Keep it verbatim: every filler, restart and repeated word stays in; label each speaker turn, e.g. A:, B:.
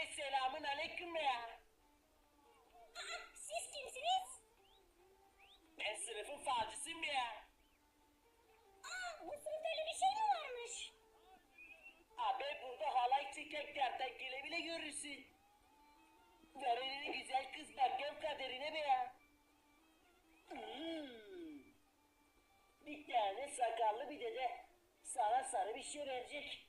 A: Hey selamın aleyküm be ya.
B: Aa, siz kimsiniz?
A: Ben sınıfın falcısıyım be ya.
B: Aa, bu sınıfta öyle bir şey mi varmış?
A: Abi burada halay çeken kertenkele bile görürsün. Ver elini güzel kız bakayım kaderine be ya. Hmm. Bir tane sakallı bir dede sana sarı bir şey verecek.